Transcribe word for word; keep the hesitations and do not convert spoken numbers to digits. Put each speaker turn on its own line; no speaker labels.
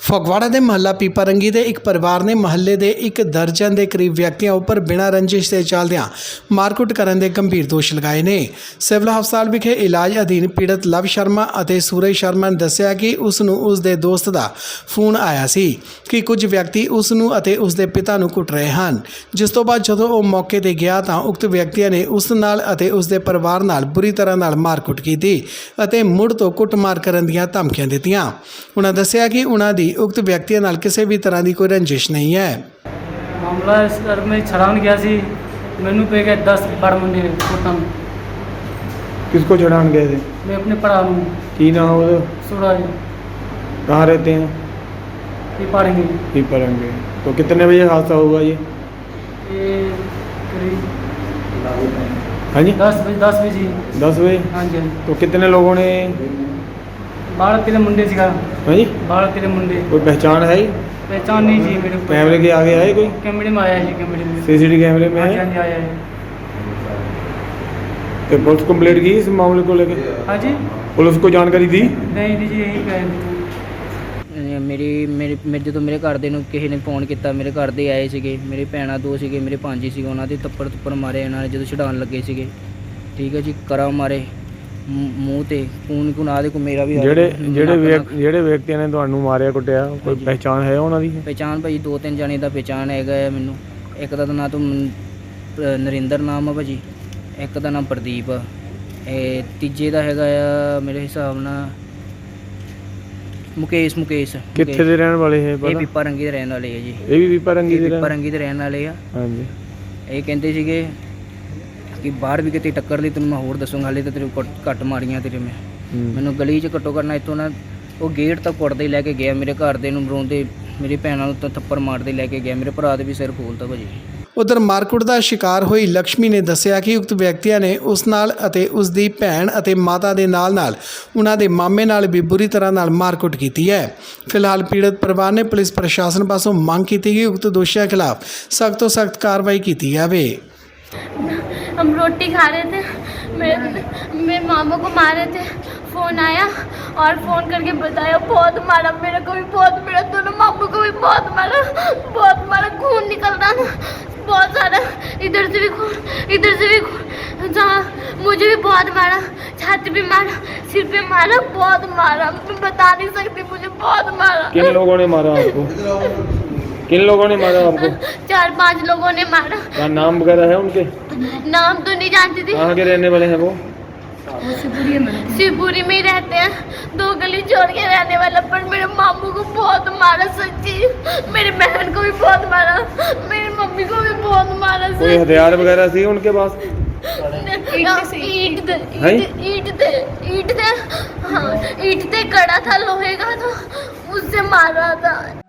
ਫਗਵਾੜਾ ਦੇ ਮਹੱਲਾ ਪੀਪਾਰੰਗੀ ਦੇ ਇੱਕ ਪਰਿਵਾਰ ਨੇ ਮਹੱਲੇ ਦੇ ਇੱਕ ਦਰਜਨ ਦੇ ਕਰੀਬ ਵਿਅਕਤੀਆਂ ਉੱਪਰ ਬਿਨਾਂ ਰੰਜਿਸ਼ ਦੇ ਚੱਲਦਿਆਂ ਮਾਰਕੁੱਟ ਕਰਨ ਦੇ ਗੰਭੀਰ ਦੋਸ਼ ਲਗਾਏ ਨੇ। ਸਿਵਲ ਹਸਪਤਾਲ ਵਿਖੇ ਇਲਾਜ ਅਧੀਨ ਪੀੜਤ ਲਵ ਸ਼ਰਮਾ ਅਤੇ ਸੂਰਜ ਸ਼ਰਮਾ ਨੇ ਦੱਸਿਆ ਕਿ ਉਸ ਨੂੰ ਉਸ ਦੇ ਦੋਸਤ ਦਾ ਫੋਨ ਆਇਆ ਸੀ ਕਿ ਕੁਝ ਵਿਅਕਤੀ ਉਸ ਨੂੰ ਅਤੇ ਉਸ ਦੇ ਪਿਤਾ ਨੂੰ ਕੁੱਟ ਰਹੇ ਹਨ, ਜਿਸ ਤੋਂ ਬਾਅਦ ਜਦੋਂ ਉਹ ਮੌਕੇ ਤੇ ਗਿਆ ਤਾਂ ਉਕਤ ਵਿਅਕਤੀਆਂ ਨੇ ਉਸ ਨਾਲ ਅਤੇ ਉਸ ਦੇ ਪਰਿਵਾਰ ਨਾਲ ਬੁਰੀ ਤਰ੍ਹਾਂ ਨਾਲ ਮਾਰਕੁੱਟ ਕੀਤੀ ਅਤੇ ਮੁੜ ਤੋਂ ਕੁੱਟਮਾਰ ਕਰਨ ਦੀਆਂ ਧਮਕੀਆਂ ਦਿੱਤੀਆਂ। ਉਹਨਾਂ ਦੱਸਿਆ ਕਿ ਉਹਨਾਂ ਦੀ उक्त व्यक्तियों नाल किसी भी तरह की कोई रंजिश नहीं है।
मामला सर मैं छड़ान गया सी, मैनू पे गए दस बड़ मुंडे कुटन।
किसको छड़ान गए थे?
मैं अपने भरा नूं।
की नाम है?
सूरज।
कहाँ रहते हैं?
पीपरंगी।
पीपरंगी। तो कितने बजे हादसा हुआ ये?
ये करीब
हाँ जी
दस बजे दस बजे
दस बजे।
हाँ जी।
तो कितने लोगों ने?
बारह तेरह मुंडे सीगा।
हाँ जी।
बारह तेरह मुंडे।
कोई पहचान है?
पहचान नहीं जी मेरे को।
कैमरे के आगे आए कोई?
कैमरे में आया जी, कैमरे में।
सीसीटीवी कैमरे में
हाँ
है?
जी आया है।
तो पुलिस कंप्लेंट की इस मामले को लेकर?
हाँ जी।
पुलिस को जानकारी दी?
नहीं दी जी, यही कह
ਮੇਰੀ ਮੇਰੇ ਮੇਰੇ ਜਦੋਂ ਮੇਰੇ ਘਰ ਦੇ ਨੂੰ ਕਿਸੇ ਨੇ ਫੋਨ ਕੀਤਾ, ਮੇਰੇ ਘਰ ਦੇ ਆਏ ਸੀਗੇ, ਮੇਰੇ ਭੈਣਾਂ ਦੋ ਸੀਗੇ, ਮੇਰੇ ਭਾਂਜੀ ਸੀਗੇ, ਉਹਨਾਂ ਦੇ ਥੱਪੜ ਥੱਪੜ ਮਾਰੇ ਇਹਨਾਂ ਨੇ ਜਦੋਂ ਛਡਾਉਣ ਲੱਗੇ ਸੀਗੇ। ਠੀਕ ਹੈ ਜੀ, ਕਰਾ ਮਾਰੇ ਮੂੰਹ ਤੇ ਖੂਨ ਖੂਨ ਦੇ ਕੋ ਮੇਰਾ ਵੀ
ਜਿਹੜੇ ਜਿਹੜੇ ਜਿਹੜੇ ਵਿਅਕਤੀਆਂ ਨੇ ਤੁਹਾਨੂੰ ਮਾਰਿਆ ਕੁੱਟਿਆ ਕੋਈ ਪਹਿਚਾਣ ਹੈ ਉਹਨਾਂ ਦੀ?
ਪਹਿਚਾਣ ਭਾਜੀ ਦੋ ਤਿੰਨ ਜਣੇ ਦਾ ਪਹਿਚਾਣ ਹੈਗਾ ਹੈ ਮੈਨੂੰ। ਇੱਕ ਦਾ ਨਾਂ ਤੋਂ ਨਰਿੰਦਰ ਨਾਮ ਆ ਭਾਜੀ, ਇੱਕ ਦਾ ਨਾਮ ਪ੍ਰਦੀਪ ਆ, ਇਹ ਤੀਜੇ ਦਾ ਹੈਗਾ ਆ ਮੇਰੇ ਹਿਸਾਬ ਨਾਲ ਮੁਕੇਸ਼ ਮੁਕੇਸ਼
ਕਿੱਥੇ ਦੇ ਰਹਿਣ ਵਾਲੇ ਹੈ ਪਤਾ?
ਇਹ ਪੀਪਾਰੰਗੀ ਦੇ ਰਹਿਣ ਵਾਲੇ ਆ ਜੀ।
ਇਹ ਵੀ ਪੀਪਾਰੰਗੀ ਦੇ
ਪੀਪਾਰੰਗੀ ਦੇ ਰਹਿਣ ਵਾਲੇ ਆ।
ਹਾਂਜੀ।
ਇਹ ਕਹਿੰਦੇ ਸੀਗੇ ਕਿ ਬਾਹਰ ਵੀ ਕਿਤੇ ਟੱਕਰ ਲਈ ਤੈਨੂੰ ਮੈਂ ਹੋਰ ਦੱਸੂੰਗਾ, ਹਾਲੇ ਤਾਂ ਤੇਰੇ ਘੱਟ ਮਾਰੀਆਂ ਤੇਰੇ ਮੈਂ। ਮੈਨੂੰ ਗਲੀ 'ਚ ਘੱਟੋ ਕਰਨਾ ਇੱਥੋਂ ਨਾ ਉਹ ਗੇਟ ਤੱਕ ਕੁੱਟਦੇ ਲੈ ਕੇ ਗਿਆ, ਮੇਰੇ ਘਰ ਦੇ ਨੂੰ ਰੋਂਦੇ, ਮੇਰੀ ਭੈਣਾਂ ਨੂੰ ਤਾਂ ਥੱਪੜ ਮਾਰਦੇ ਲੈ ਕੇ ਗਿਆ, ਮੇਰੇ ਭਰਾ ਦੇ ਵੀ ਸਿਰ ਖੋਲਤਾ ਭਾਜੀ।
ਉਧਰ ਮਾਰਕੁੱਟ ਦਾ ਸ਼ਿਕਾਰ ਹੋਈ ਲక్ష్ਮੀ ਨੇ ਦੱਸਿਆ ਕਿ ਉਕਤ ਵਿਅਕਤੀਆਂ ਨੇ ਉਸ ਨਾਲ ਅਤੇ ਉਸ ਦੀ ਭੈਣ ਅਤੇ ਮਾਤਾ ਦੇ ਨਾਲ ਨਾਲ ਉਹਨਾਂ ਦੇ ਮਾਮੇ ਨਾਲ ਵੀ ਬੁਰੀ ਤਰ੍ਹਾਂ ਨਾਲ ਮਾਰਕੁੱਟ ਕੀਤੀ ਹੈ। ਫਿਲਹਾਲ ਪੀੜਤ ਪਰਿਵਾਰ ਨੇ ਪੁਲਿਸ ਪ੍ਰਸ਼ਾਸਨ ਪਾਸੋਂ ਮੰਗ ਕੀਤੀ ਕਿ ਉਕਤ ਦੋਸ਼ੀਆਂ ਖਿਲਾਫ ਸਖਤ ਤੋਂ ਸਖਤ ਕਾਰਵਾਈ ਕੀਤੀ ਜਾਵੇ।
हम रोटी खा रहे थे, मेरे मेरे मामा को मारे थे, फ़ोन आया और फ़ोन करके बताया बहुत मारा, मेरे को भी बहुत, मेरे दोनों मामू को भी बहुत मारा, बहुत मारा, खून निकल रहा था बहुत सारा, इधर से भी खून इधर से भी खून, जहाँ मुझे भी बहुत मारा, छाती पे मारा, सिर पे मारा, बहुत मारा, मैं बता नहीं सकती, मुझे बहुत मारा।
किन लोगों ने मारा आपको? किन लोगों ने मारा आपको?
चार पांच लोगों ने मारा।
क्या नाम वगैरह है उनके?
नाम तो नहीं जानती थी।
कहाँ के रहने वाले हैं वो?
शिवपुरी में ही रहते हैं, दो गली छोड़ के रहने वाला, पर मेरे मामू को बहुत मारा सच्ची, मेरी बहन को भी बहुत मारा, मेरी मम्मी को भी बहुत मारा।
कोई हथियार वगैरह थी उनके पास?
ईट थे, ईट थे, ईट थे, हाँ ईट थे, कड़ा था लोहे का, तो उससे मारा था।